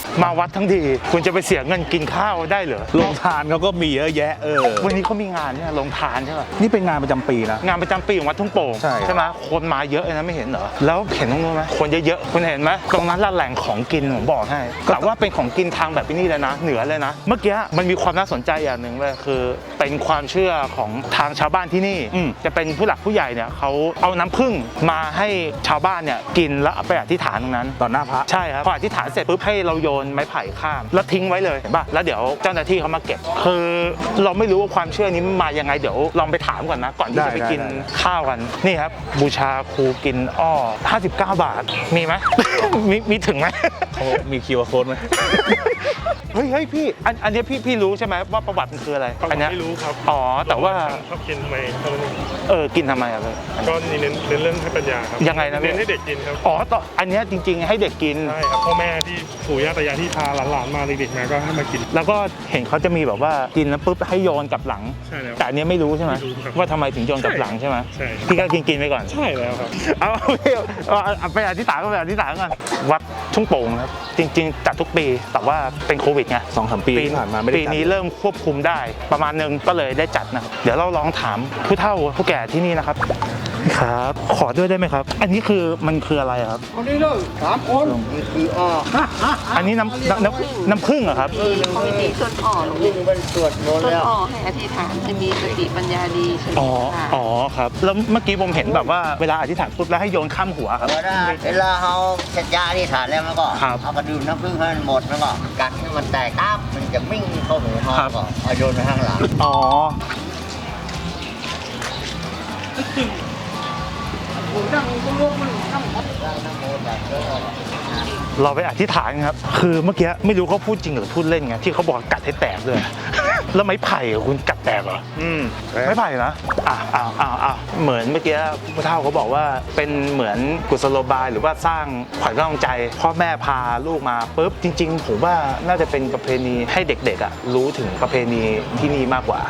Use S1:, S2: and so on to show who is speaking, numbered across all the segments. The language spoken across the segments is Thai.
S1: มาวัดทั้งทีคุณจะไปเสียเงินกินข้าวได้เหรอ
S2: โรงทานเขาก็มีเยอะแยะ
S1: วันนี้เขามีงานเนี่ยลงทานใช่ป่ะ
S2: นี่เป็นงานประจำปีนะ
S1: งานประจำปีของวัดทุ่งโป่ง
S2: ใช่
S1: ไหมคนมาเยอะเลยนะไม่เห็นเหรอแล้วเห็นตรงนู้นไหมคนเยอะๆคุณเห็นไหมตรงนั้นละแหล่งของกินผมบอกให้แต่ว่าเป็นของกินทางแบบนี้เลยนะเหนือเลยนะเมื่อกี้มันมีความน่าสนใจอย่างหนึ่งเลยคือเป็นความเชื่อของทางชาวบ้านที่นี่จะเป็นผู้หลักผู้ใหญ่เนี่ยเขาเอาน้ำผึ้งมาให้ชาวบ้านเนี่ยกินแล้วเอาไปอธิษฐานตรงนั้น
S2: ต่อหน้าพระ
S1: ใช่ครับพออธิษฐานเสร็จปุ๊บให้เราโยนไม้ไผ่ข้ามแล้วทิ้งไว้เลยเห็นป่ะแล้วเดี๋ยวเจ้าหน้าที่เขามาเก็บคือเราไม่รู้ว่าความเชื่อนี้มายังไงเดี๋ยวลองไปถามก่อนนะก่อนที่จะไปกินข้าวกันนี่ครับบูชาครูกินอ้อ59 บาทมีไหม มีถึงไหม
S2: เขามีคิวอาร์โค้ดไหม
S1: เฮ้ยพี่อันนี้พี่รู้ใช่ไหมว่าประวัติมันคืออะไรอันนี้
S3: ไม่รู้ครับ
S1: อ๋อแต่ว่า
S3: ชอบกินทำไมเท่านั้นเอง
S1: กินทำไมอะเลย
S3: ก็นี่เน้นเรื่องให้ปัญญาครับ
S1: ยังไงนะพี่
S3: เน้นให้เด็กกินครับ
S1: อ๋อต่ออันนี้จริงๆให้เด็กกิน
S3: ใช่ครับพ่อแม่ที่ปู่ย่าตายายที่พาหลานๆมาเด็กๆมาก็ให้มากิน
S1: แล้วก็เห็นเขาจะมีแบบว่ากินแล้วปุ๊บให้โยนกลับหลัง
S3: ใช่แล้ว
S1: แต่อันนี้ไม่รู้ใช่ไหม
S3: ไม่รู้ครับ
S1: ว่าทำไมถึงโยนกลับหลังใช่ไหม
S3: ใช่
S1: พี่ก็กินไปก่อน
S3: ใช่แล้วครับ
S1: เอาไปอธิษฐานก็ไปอธิษฐานก่อนวัดทุ่งโป่งครับจริงๆจัดทุกปีแต่ว่าเป็นโควิดไง
S2: 2-3 ปีที่ผ่านมาไม่ได้
S1: ปี
S2: จัด
S1: นี้เริ่มควบคุมได้ประมาณนึงก็เลยได้จัดนะครับเดี๋ยวเราลองถามผู้เฒ่าผู้แก่ที่นี่นะครับครับขอด้วยได้ไหมครับ อันนี้คือมันคืออะไรครับ
S4: คนนี้เลย3 คนนี่คือ
S1: อันนี้น้ำผึ้งเหรอครับ
S5: เขาไม่มีต้นอ่อหรอก
S4: วิ่งเป็นสวดมนต์
S5: ต้น
S4: แล้ว
S5: อ่อให้อธิษฐานจะมีสติปัญญาดีใช่ไหม
S1: อ๋อครับแล้วเมื่อกี้ผมเห็นแบบว่าเวลาอธิษฐานปุ๊บแล้วให้โยนข้ามหัวครับ
S4: เวลาเขาเสร็จยาที่ฐานแล้วมันก็
S1: ครับ
S4: เอากระดื่มน้ำผึ้งให้มันหมดแล้วก็กัดให้มันแตกตับมันจะวิ่งเข้าหูเขา
S1: ครับ
S4: ก็เอาโยนไปข้างหลัง
S1: อ๋อเราไปอธิษฐานครับคือเมื่อกี้ไม่รู้เขาพูดจริงหรือพูดเล่นไงที่เขาบอกกัดให้แตกเลย แล้วไม้ไผ่อะคุณกัดแตกเหรอไม้ไผ่นะเหมือนเมื่อกี้ผู้เฒ่าเขาบอกว่าเป็นเหมือนกุศโลบายหรือว่าสร้างขวัญกำลังใจพ่อแม่พาลูกมาปุ๊บจริง ๆ ผมว่าน่าจะเป็นประเพณีให้เด็กๆรู้ถึงประเพณีที่นี่มากกว่า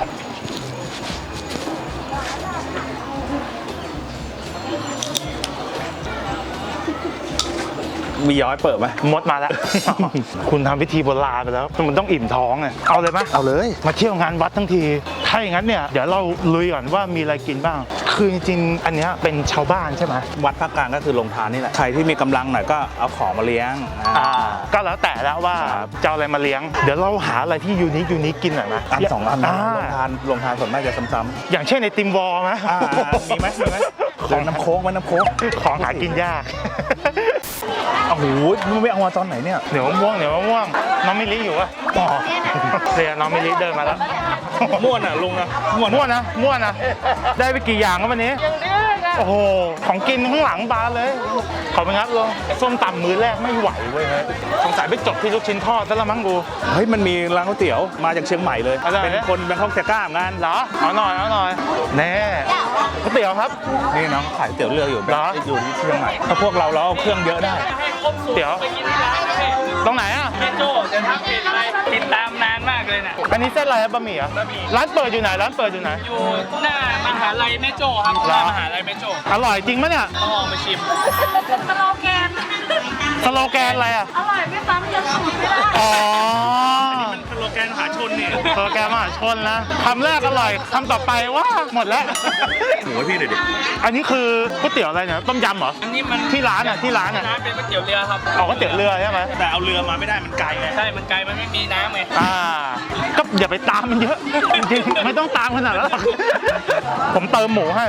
S2: มีย้อยเปิดไหม
S1: มดมาแล้ว คุณทำพิธีโบราณไปแล้วมันต้องอิ่มท้องไงเอาเลยไหม
S2: เอาเลย
S1: มาเที่ยวงานวัดทั้งทีถ้าอย่างนั้นเนี่ยเดี๋ยวเราลุยก่อนว่ามีอะไรกินบ้าง คือจริงๆอันเนี้ยเป็นชาวบ้านใช่ไหม
S2: วัดภาคกลางก็คือโรงทานนี่แหละใครที่มีกำลังหน่อยก็เอาของมาเลี้ยง
S1: ก็แล้วแต่แล้วว่า
S2: ครับ
S1: จะเอาอะไรมาเลี้ยง เดี๋ยวเราหาอะไรที่ยูนิคกินหน่อยนะ
S2: อันสองอันนะ
S1: า
S2: โรงทานส่วนมากจะซ้ำ
S1: อย่างเช่นในติมวอลไหม
S2: มีไหมของน้ำโค้กไหมน้ำโค้ก
S1: ของหากินยาก
S2: โอ้โหมันไม่เอามาตอนไหนเนี่ย
S1: เหนียวมะม่วงน้องมิลิอยู่ปะอ๋อเรียนน้องมิลิเดินมาแล้ว
S2: ม่วนอ่ะลุงนะม่วน
S1: ม่วนนะได้ไปกี่อย่างครับวันนี้โอ้โหของกินข้างหลังบานเลยขอไปงัดลงส้มตำมือแรกไม่ไหวเว้ยสงสัยไปจบที่ลูกชิ้นทอดซะละมั้งกู
S2: เฮ้ยมันมีร้านก๋วยเตี๋ยวมาจากเชียงใหม่เลย
S1: อะไร
S2: เป็นคนแบงคอกเซก้างาน
S1: เหรอเอาหน่อยแน่ก๋วยเตี๋ยวครับ
S2: นี่น้องขายก๋วยเตี๋ยวเรืออยู่
S1: เหรอ
S2: อยู่ที่เชียงใหม่ถ้าพวกเราเอาเครื่องเยอะได้
S1: เดี๋ยวตรงไหนอ่ะ
S6: แม่โจ้จะทำเพจอะไรติดตามนานมากเลยน่ะ
S1: อันนี้เส้นอะไรครับบะหมี่อ่ะร้านเปิดอยู่ไหน
S6: อยู่หน้ามหาลัยแม่โจ้ครับหน้ามหาลัยแม่โจ้
S1: อร่อยจริงปะเนี่ย
S6: ต้องลองมาชิม
S5: สโลแกน
S1: สโลแกนอะไรอ่ะ
S5: อร่อยไม่ซ้ำยังสูตรไม่ได้
S1: อ๋อ
S6: มันสโลแกนมหาชนเนี่ย
S1: สโลแกนมหาชนนะคำแรกอร่อยคำต่อไปว่าหมดแล้ว
S2: หมูให้พี่หน่อยดิ
S1: อันนี้คือก๋วยเตี๋ยวอะไรเนี่ยต้มยำเหรอ
S6: อันนี้มัน
S1: ที่ร้านอ่ะ
S6: ร้านเป็นก๋วยเตี๋ยวเรือครับ
S1: ออกก๋วยเตี๋ยวเรือใช่ไหม
S2: แต่เอาเรือมาไม่ได้มันไกลไง
S6: ใช่ มันไกล มันไม่มีน้ำไง
S1: ก็อย่าไปตามมันเยอะจริงๆไม่ต้องตามขนาดนั้นหรอกผมเติมหมูให้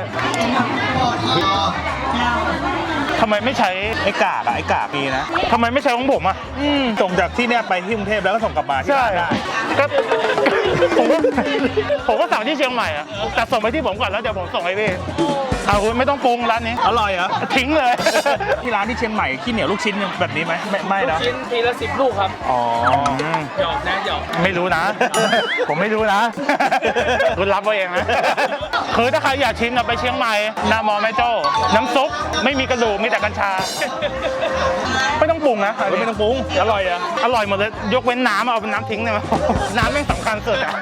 S1: ทำไมไม่ใช้
S2: ไอ้กากมีนะ
S1: ทำไมไม่ใช้ของผมอ่ะ
S2: ส่งจากที่เนี่ยไปที่กรุงเทพแล้วก็ส่งกลับมาที่
S1: ใช่
S2: ร้านได้
S1: ก็ผมก็สั่งที่เชียงใหม่อ่ะแต่ส่งไปที่ผมก่อนแล้วเดี๋ยวผมส่งให้พี่เอาคุณไม่ต้องปรุงร้านนี้
S2: อร่อยเหรอ
S1: ทิ้งเลย
S2: ที่ร้านที่เชียงใหม่ขี้เหนียวลูกชิ้นแบบนี้ไหมไม่
S6: ลูก
S2: นะ
S6: ชิ้นทีละ10 ลูกครับ
S2: อ๋อ
S6: หยอกนะหยอก
S1: ไม่รู้นะ ผมไม่รู้นะ คุณรับไว้เองนะ คือถ้าใครอยากชิมนะไปเชียงใหม่หน้ามอแม่โจ้น้ำซุปไม่มีกระดูกมีแต่กัญชา ไม่ต้องปรุงนะ
S2: ไม่ต้องปรุงอร่อยอ่ะ
S1: อร่อยหมดเลยยกเว้นน้ำเอาเป็นน้ำทิ้งได้ไหมน้ำแม่งสำคัญสุดอ่ะ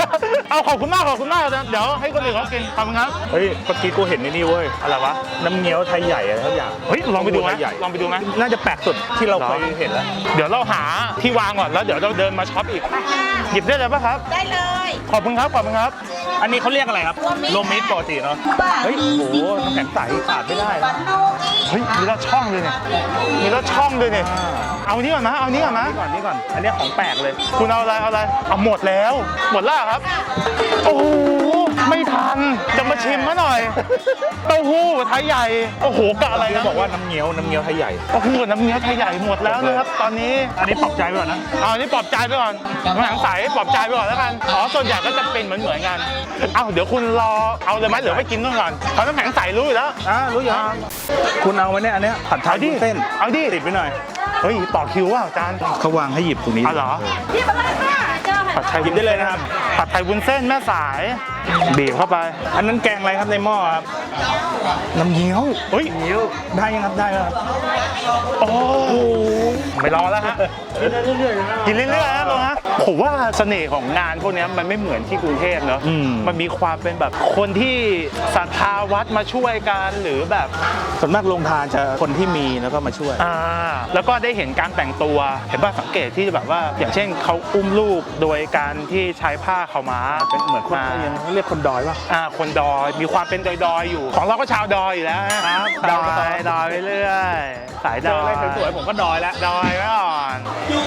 S1: เอาขอบคุณมากนะเดี๋ยวให้คนอื่นเขากินขอบคุณครับ
S2: เฮ้ยเมื่อกี้กูเห็นในนี่เว้ยอะไรวะน้ำเงี้ยวไทยใหญ่อะไรทุกอย่าง
S1: เฮ้ยลองไปดูไหม
S2: ไทยใหญ่
S1: ลองไปดูไหม
S2: น่าจะแปลกสุดที่เราเคยเห็นแล้ว
S1: เดี๋ยวเราหาที่วางก่อนแล้วเดี๋ยวเราเดินมาช็อปอีกหยิบได้เลยป่ะครับ
S5: ได้เลย
S1: ขอบคุณครับ
S2: อันนี้เขาเรียกอะไรครับโรวมมิตรปกติเนาะเฮ้ยโอ้โหน้ำแข็งใสขาดไม่ได้นะ
S1: เฮ้ยมีรสช่องเลยเนี่ยมีรสช่องเลยเนี่ยเอานี้ก่อนนะ
S2: นี่ก่อนอันนี้ของแปลกเลย
S1: คุณเอาอะไรเอาหมดแล้วหมดแล้วเหรอครับโอ้โหไม่ทันจะมาชิมมาหน่อยเต้าหู้ไทยใหญ่โอ้โหกะอะไร
S2: เขา
S1: นะ
S2: บอกว่าน้ำเงี้ยวไทยใหญ่
S1: โอ้โหน้ำเงี้ยวไทยใหญ่หมดแล้วนะครับตอนนี้
S2: อันนี้ปรับใจไปก่อนนะ
S1: เอาอันนี้ปลอบใจไปก่อนน้ำแข็งใสปลอบใจไปก่อนแล้วกันอ๋อส่วนใหญ่ก็จะเป็นเหมือนกันเอาเดี๋ยวคุณรอเอาเลยไหมหรือไม่กินก่อนเขาน้ำแข็งใสรู้อยู่แล้ว
S2: รู้อยู่คุณเอาไว้เนี่ยอันเนี้ยผัดไทย
S1: เอาดิ
S2: วุ้นเส้น
S1: เอาดิ
S2: ติดไปหน่อย
S1: เฮ้ยต่อคิวว่าอาจารย์
S2: เขาวางให้หยิบตรงนี้
S1: อ๋อเหรอ
S5: พี่มาเลยค่ะเจ้า
S1: ผัดไทย
S2: หยิบได้เลยนะครับ
S1: ผัดไทยวุ้นเส้นแม่สายบีบเข้าไป
S2: อันนั้นแกงอะไรครับในหม้อครับน้ำเงี้ยว
S1: เฮ้ย
S2: ได้ยังครับได้แล้วครับ
S1: โอ้โหไม่รอแล้วฮะกินเรื่อยๆนะตรงฮะผมว่าเสน่ห์ของงานพวกนี้มันไม่เหมือนที่กรุงเทพเนอะมันมีความเป็นแบบคนที่ศรัทธาวัดมาช่วยกันหรือแบบ
S2: ส่วนมากโรงทานจะคนที่มีแล้วก็มาช่วย
S1: แล้วก็ได้เห็นการแต่งตัวเห็นป่ะสังเกตที่แบบว่าอย่างเช่นเขาอุ้มลูกโดยการที่ใช้ผ้าขาวม้า
S2: เป็นเหมือนคนยังเรียกคนดอยป่ะ
S1: คนดอยมีความเป็นดอยๆอยู่ของเราก็ชาวดอยอยู่แล้วนะครับดอยไปเรื่อยสาย
S2: เจ
S1: ด
S2: อ
S1: อ
S2: อะไร
S1: ย
S2: สวยๆผมก็ดอยแล้ว
S1: ดอยไว้ก่อน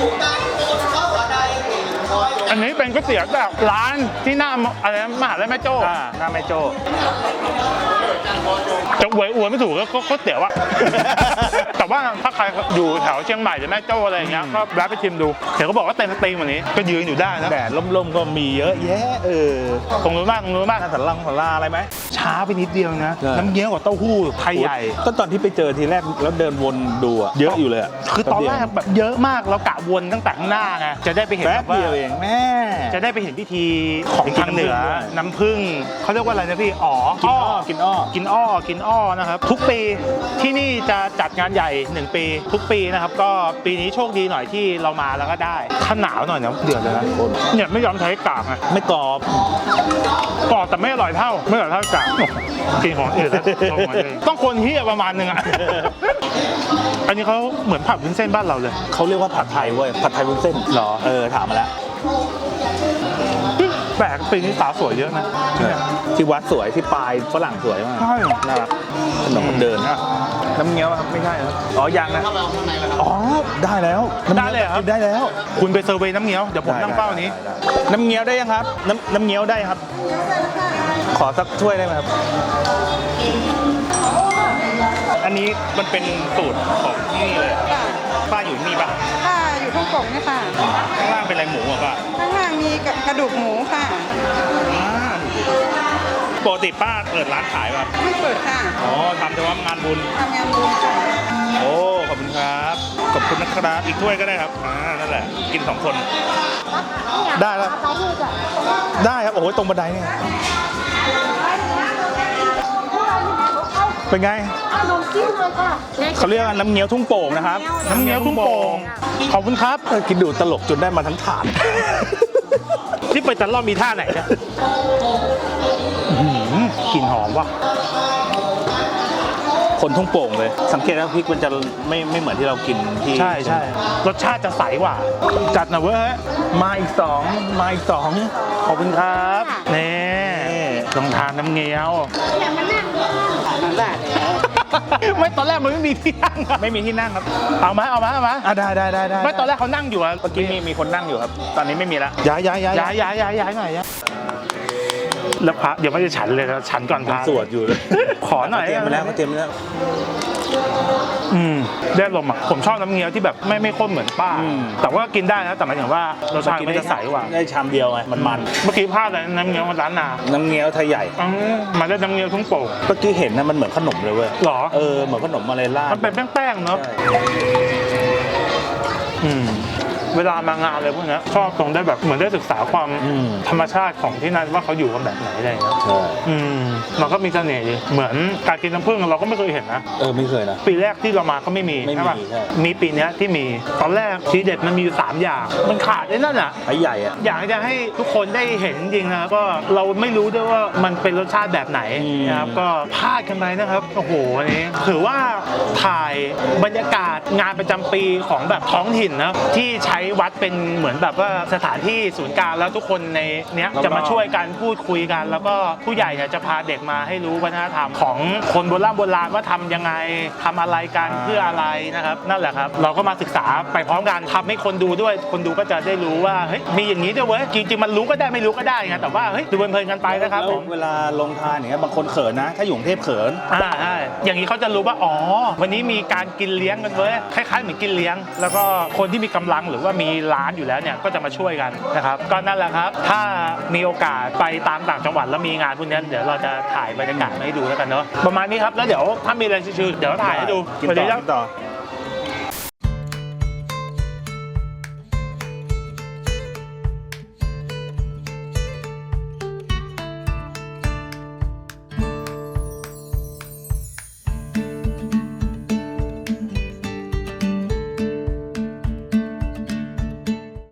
S1: อันนี้เป็นก๋วยเตี๋ยวแบบร้านที่หน้าอะไรนะมหาลัยแม่โจ้
S2: หน้าแม่โจ้
S1: จะอวยไม่ถูกก็ก๋วยเตี๋ยวอะ แต่ว่าถ้าใครอยู่แถวเชียงใหม่หรือแม่โจ้อะไรอย่างเงี้ยก็แวะไปชิมดูเดี๋ยวก็บอกว่าเต็มสตรีมวันนี้ก็ยืนอยู่ได้นะ
S2: แดดล่มๆก็มีเยอะแยะ
S1: ตรงนู้นบ้าง
S2: หน้าสันลาอะไรไหม
S1: ช้าไปนิดเดียวนะน้ำเงี้ยวกับเต้าหู้ไทยใหญ่
S2: ก็ตอนที่ไปเจอทีแรกแล้วเดินวนดูอะเยอะอยู่เลยอะ
S1: คือตอนแรกแบบเยอะมากเรากะวนตั้งแต่ข้างหน้าไงจะได้ไปเห็น
S2: แป๊บ
S1: ว่า
S2: เดียวเองแม่
S1: จะได้ไปเห็นพิธีของทางเหนือน้ำผึ้งเขาเรียกว่าอะไรนะพี่กินอ้อนะครับทุกปีที่นี่จะจัดงานใหญ่1ปีทุกปีนะครับก็ปีนี้โชคดีหน่อยที่เรามาแล้วก็ได้ถ้าหนาวหน่อยนะเดือดเลยนะเนี่ยไม่ยอมใช้กากไง
S2: ไม่กรอบ
S1: กรอบแต่ไม่อร่อยเท่ากากกินของอื่นแล้วต้องคนเฮียประมาณนึงอ่ะ อันนี้เขาเหมือนผัดวุ้นเส้นบ้านเราเลย
S2: เขาเรียกว่าผัดไทยเว้ยผัดไทยวุ้นเส้น
S1: หรอ
S2: ถามมาแล้ว
S1: แปลกปีนี้สาวสวยเยอะนะ
S2: ที่วัดสวยที่ปลายฝรั่งสวยมาก
S1: ใช่
S2: น่ารักถนนคนเดินนะน้ำเงี้ยวครับไม่ใช่ครับอ๋อยังนะอ๋อได้แล้ว
S1: ได้เลยครับ
S2: ได้แล้ว
S1: คุณไปเซอร์เวย์น้ำเงี้ยวเดี๋ยวผมนั่งเป้านี้
S2: น้ำเงี้ยวได้ยังครับน้ำเงี้ยวได้ครับ ขอสักถ้วยได้ไหมครับ อันนี้มันเป็นสูตรของที่นี่เลยป้าอยู่ที่นี่ป่ะ
S7: ค่ะอยู่ข้างกล่องเนี่ยค่ะ
S2: ข้างล่างเป็นอะไรหมูอ่ะป้า
S7: ข้างล่างมีกระดูกหมูค่ะ
S2: ปกติป้าเปิดร้านขายป่ะ
S7: ไม่เปิดค่ะ
S2: อ๋อทำแต่ว่างานบุญ
S7: ทำงานบุญค่ะ
S2: โอ้ขอบคุณครับขอบคุณนะครับอีกถ้วยก็ได้ครับนั่นแหละกิน2 คนได้ครับได้ครับโอ้โหตรงบันไดเนี่ยเป็นไงเขาเรียกว่าน้ำเงี้ยวทุ่งโป่งนะครับ
S1: น้ำเงี้ยวทุ่งโป่งขอบคุณครับ
S2: กินดูตลกจนได้มาทั้งถาด
S1: ที่ไปตลอดมีท่าไหนเนี่ยกลิ่นหอมว่ะ
S2: คนทุ่งโป่งเลย สังเกตว่าพริกมันจะไม่เหมือนที่เรากินที่
S1: ใช่รสชาติจะใสกว่าจัดหน่อยเว้ย
S2: มาอีก2
S1: ขอบคุณครับนี่ลองทานน้ำเงี้ยวไม่ตอนแรกมันไม่มีที่นั่งอะ
S2: ไม่มีที่นั่งครับ
S1: เอาไหม
S2: ได้
S1: ไม่ตอนแรกเขานั่งอยู่อะ
S2: เมื่อกี้มีคนนั่งอยู่ครับ ตอนนี้ไม่มีละ
S1: ย้ายหน่อยแล้วพระเดี๋ยวไม่จะฉันเลยนะฉันก่อนพระ
S2: สวดอยู่เลย
S1: ขอหน่อย
S2: เตรียมไปแล้ว
S1: ได้ลมอ่ะผมชอบน้ำเงี้ยวที่แบบไม่ข้นเหมือนป้าแต่ว่ากินได้นะแต่หมายถึงว่ารสชาติมันจะใสกว่า
S2: ได้ชามเดียวไงมัน
S1: เมื่อกี้พลาดเลยน้ำเงี้ยวร้านนา
S2: น้ำเงี้ยวไทยใหญ่
S1: มาได้น้ำเงี้ยวทุ่งโป่ง
S2: เมื่อกี้เห็นนะมันเหมือนขนมเลยเว้ย
S1: หรอ
S2: เหมือนขนมอะไรล่าด
S1: มันเป็นแป้งๆเนาะเวลามางานเลยพวกเนี้ยชอบตรงได้แบบเหมือนได้ศึกษาความธรรมชาติของที่นั่นว่าเขาอยู่กันแบบไหนอะไรอย่างเงี้ย
S8: ใช่
S1: มันก็มีเสน่ห์ดีเหมือนการกินน้ำผึ้งเราก็ไม่เคยเห็นนะ
S8: ไม่เคยนะ
S1: ปีแรกที่เรามาก็ไม่มี
S8: ไม่มี
S1: ใช่ป่ะ
S8: ใช่
S1: มีปีเนี้ยที่มีตอนแรกทีเด็ดมันมีอยู่3อย่างมันขาดไอ้นั่นอ่ะ
S8: ไอ้ใหญ่อะ
S1: อยากจะให้ทุกคนได้เห็นจริงๆนะครับก็เราไม่รู้ด้วยว่ามันเป็นรสชาติแบบไหนนะครับก็พลาดกันไปนะครับโอ้โหอันนี้ถือว่าถ่ายบรรยากาศงานประจำปีของแบบท้องถิ่นนะที่ใช้วัดเป็นเหมือนแบบว่าสถานที่ศูนย์กลางแล้วทุกคนในเนี้ยจะมาช่วยกันพูดคุยกัน แล้วก็ผู้ใหญ่เนี่ยจะพาเด็กมาให้รู้วัฒนธรรมของคนโบราณว่าทำยังไงทำอะไรกันเพื่ออะไรนะครับนั่นแหละครับเราก็มาศึกษาไปพร้อมกันทำให้คนดูด้วยคนดูก็จะได้รู้ว่าเฮ้ยมีอย่างนี้ด้วยเว้ยจริงๆมันรู้ก็ได้ไม่รู้ก็ได้ไงแต่ว่าเฮ้ยดูเพลินๆกันไปนะครับ
S8: แล้ว
S1: ผม
S8: เวลาลงทานอย่างเงี้ยบางคนเขินนะ ถ้าอยู่กรุงเทพเขิน
S1: ใช่อย่างนี้เขาจะรู้ว่าอ๋อวันนี้มีการกินเลี้ยงกันเว้ยคล้ายๆเหมือนกินเลี้ยง แล้วก็คนที่มีกำลังหรือว่ามีร้านอยู่แล้วเนี่ยก็จะมาช่วยกันนะครับก็นั่นแหละครับถ้ามีโอกาสไปตามต่างจังหวัดแล้วมีงานพวกนี้เดี๋ยวเราจะถ่ายบรรยากาศมาให้ดูแล้วกันเนาะประมาณนี้ครับแล้วเดี๋ยวถ้ามีอะไรชิวๆเดี๋ยวถ่ายให้ดู
S2: กิน
S1: สวัส
S2: ต่
S1: ดี
S2: อ
S1: ครับ
S2: กินต่อ